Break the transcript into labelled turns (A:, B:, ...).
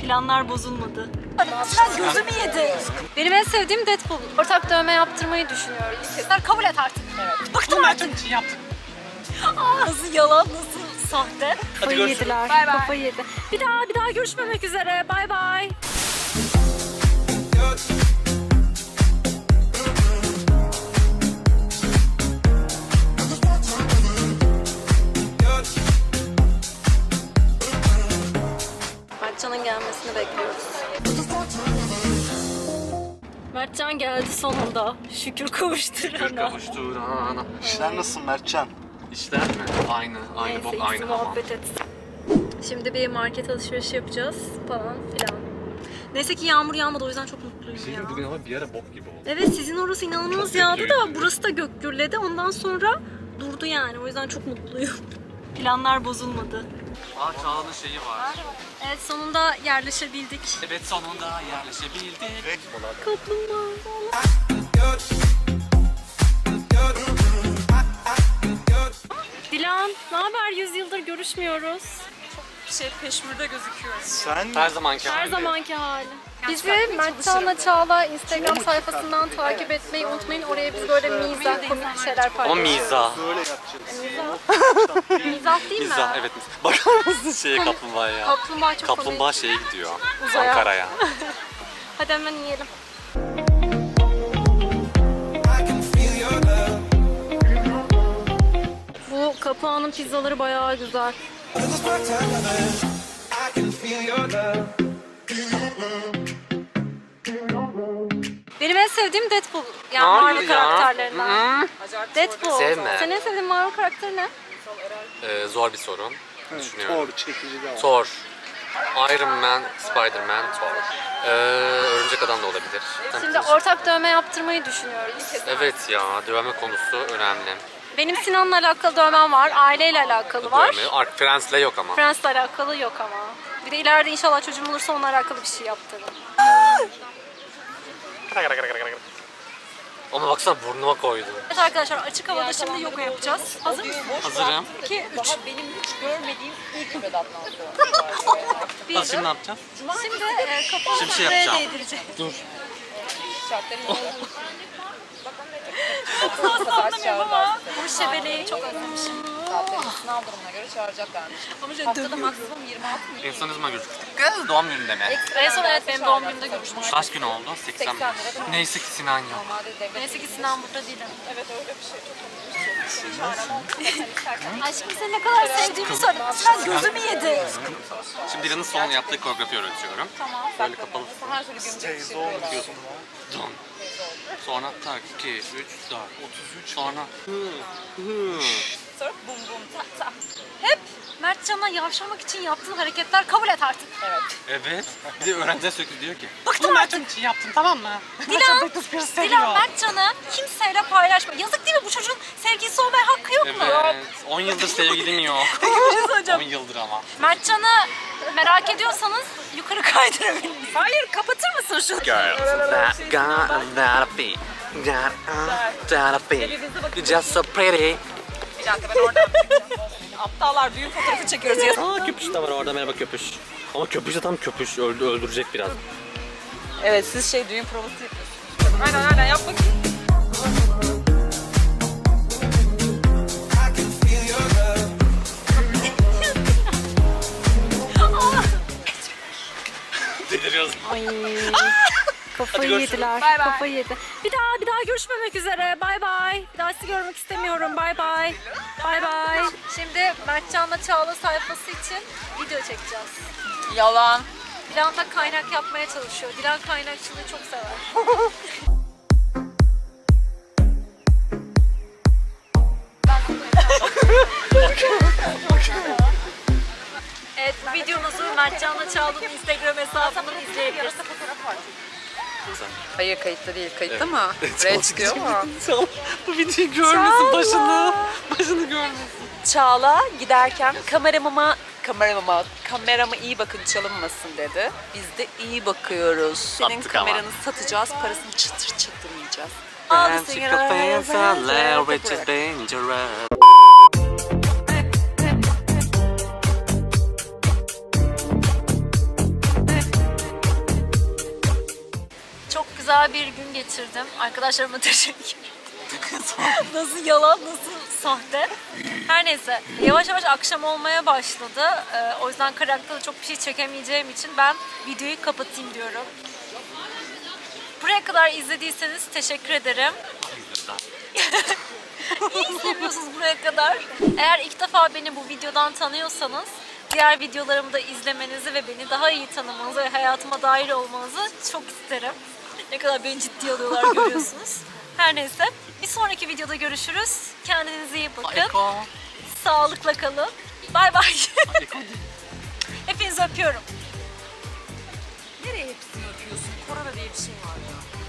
A: Planlar bozulmadı. Sen gözümü yedi. Benim en sevdiğim Deadpool. Ortak dövme yaptırmayı düşünüyoruz. Sen kabul et artık. Evet. Bıktım artık.
B: Yaptım.
A: Nasıl yalan, nasıl sahte. Kafayı
B: görüşürüz.
A: yediler.
C: Bay bay.
A: Kafayı yedi. Bir daha görüşmemek üzere. Bay bay. Mertcan'ın gelmesini bekliyoruz. Mertcan geldi sonunda. Şükür kavuşturana.
B: Kavuşturana.
D: İşler nasıl Mertcan?
B: İşler mi? Aynı
A: Neyse
B: bok,
A: ikisi
B: aynı hamam.
A: muhabbet etsin. Şimdi bir market alışverişi yapacağız falan filan. Neyse ki yağmur yağmadı, o yüzden çok mutluyum ya.
B: Bugün ama bir ara bok gibi oldu.
A: Evet, sizin orası inanılmaz
B: Çok
A: yağdı da
B: kötüydü.
A: burası da gök gürledi. Ondan sonra durdu yani. O yüzden çok mutluyum. Planlar bozulmadı.
B: Çağla'nın şeyi var.
A: Evet, sonunda yerleşebildik.
B: Evet, sonunda yerleşebildik.
A: Kaplumbağa. Dilan, ne haber? 100 yıldır görüşmüyoruz.
C: Peşmürde gözüküyoruz.
D: Sen
B: Her zamanki
A: Her
B: hali.
A: zamanki hali. Bizi Mertcan'la Çağla Instagram sayfasından takip etmeyi unutmayın. Oraya biz böyle mizah, komik şeyler
B: Ama
A: paylaşıyoruz.
B: mizah.
D: böyle yapacağız.
A: Mizah değil mi?
B: Mizah, evet. Bakar mısın şeye kaplumbağaya?
A: Kaplumbağa çok
B: Kaplumbağa
A: komik.
B: şeye gidiyor.
A: Uzaya.
B: Ankara'ya.
A: Hadi hemen yiyelim. Bu Kapağı'nın pizzaları bayağı güzel. Benim en sevdiğim Deadpool. Yani Marvel karakterlerinden. Deadpool.
B: Sevme.
A: Senin en sevdiğin Marvel karakteri ne?
B: Zor bir soru. Düşünüyorum.
D: Thor çekici de var.
B: Thor. Iron Man, Spider-Man, Thor. Örümcek Adam da olabilir.
A: Şimdi ortak dövme yaptırmayı düşünüyoruz.
B: Evet ya, dövme konusu önemli.
A: Benim Sinan'la alakalı dövmem var. Aileyle alakalı var.
B: Dövme. Friends'le yok ama.
A: Friends'le alakalı yok ama. Bir de ileride inşallah çocuğum olursa onunla alakalı bir şey yaptırırım.
B: Ama baksana burnuma koydu.
A: Evet arkadaşlar, açık havada şimdi yoga yapacağız. Hazır mısın?
B: Hazırım.
A: 2, 3.
C: Benim hiç görmediğim ilk bedattan
B: Bak şimdi ne yapacağız?
A: Şimdi kapağı
B: Şimdi şey
A: buraya
B: yapacağım.
A: değdireceğiz.
B: Dur.
C: şartların
A: Anlamıyorum ama bu şebeleyi çok özlemişim.
C: saatlerini sınav durumuna göre çağıracaklarmış. Haftada maksimum 26 mı?
B: En son ne zaman görüştük? Kız doğum gününde mi?
A: En son evet benim doğum günümde görüşmüştük.
B: Kaç gün oldu? 80. Neyse ki Sinan yok.
C: Normalde devlet
A: Neyse ki Sinan burada değil.
C: evet öyle bir şey.
A: Aşkım seni ne kadar sevdiğimi söyle. Sinan gözümü yedi.
B: Şimdi Dilan'ın son yaptığı koreografi öğretiyorum.
C: Tamam.
B: Böyle kapalı.
C: Her türlü gömecek bir şey yapıyorlar.
B: Don. Sonra tak 2, 3, 4, 33. Sonra
C: Sonra bum bum tak tak.
A: Hep Mertcan'a yavşamak için yaptığın hareketler, kabul et artık.
B: evet. Bir de öğrenciler sürekli diyor ki
A: Bıktım artık.
B: için yaptım, tamam mı?
A: Dilan Mertcan'ı kimseyle paylaşma. Yazık değil mi, bu çocuğun sevgilisi olmaya hakkı yok mu?
B: Evet. 10 yıldır sevgilim yok.
A: Peki bir şey söyleyeceğim.
B: 10 yıldır ama.
A: Mertcan'ı merak ediyorsanız yukarı kaydırabilirsiniz.
C: Hayır kapatır mısın şunu?
B: Girls that gotta be, gotta be. You're just so pretty.
C: Bir dakika ben oradan aptallar düğün fotoğrafı çekiyoruz ya.
B: Aa köpüş de var orada, merhaba köpüş. Ama köpüş de tam köpüş, öldürecek biraz.
C: Evet siz düğün provası yapıyorsunuz. Aynen yap bakayım.
B: Deliriyoruz.
A: Ay. Kafayı
B: Hadi görüşürüz.
A: yediler.
C: Bay bay.
A: Kafayı yedi. Bir daha görüşmemek üzere. Bay bay. Bir daha sizi görmek istemiyorum. Bay bay. Bay bay. Şimdi Mertcan'la Çağla sayfası için video çekeceğiz.
C: Yalan.
A: Dilan da kaynak yapmaya çalışıyor. Dilan kaynakçılığı çok sever. Evet, bu videomuzu Mertcan'la Çağla'nın Instagram hesabından izleyebilirsiniz.
C: Hayır kayıtta değil. Kayıtta mı? Buraya çıkıyor mu?
B: Bu videoyu görmesin, başını görmesin.
C: Çağla giderken kamerama iyi bakın çalınmasın dedi. Biz de iyi bakıyoruz. Senin
B: Sattık
C: kameranı satacağız, parasını çıtır çıtır yiyeceğiz.
B: Which is dangerous.
A: güzel bir gün geçirdim. Arkadaşlarıma teşekkür ederim. Nasıl yalan, nasıl sahte. Her neyse. Yavaş yavaş akşam olmaya başladı. O yüzden karakterda çok bir şey çekemeyeceğim için ben videoyu kapatayım diyorum. Buraya kadar izlediyseniz teşekkür ederim. İyi izlemiyorsunuz buraya kadar. Eğer ilk defa beni bu videodan tanıyorsanız diğer videolarımı da izlemenizi ve beni daha iyi tanımanızı ve hayatıma dahil olmanızı çok isterim. Ne kadar beni ciddiye alıyorlar görüyorsunuz. Her neyse. Bir sonraki videoda görüşürüz. Kendinize iyi bakın. Sağlıkla kalın. Bay bay. Hepinizi öpüyorum.
C: Nereye hepsini öpüyorsun? Korona diye bir şey var ya.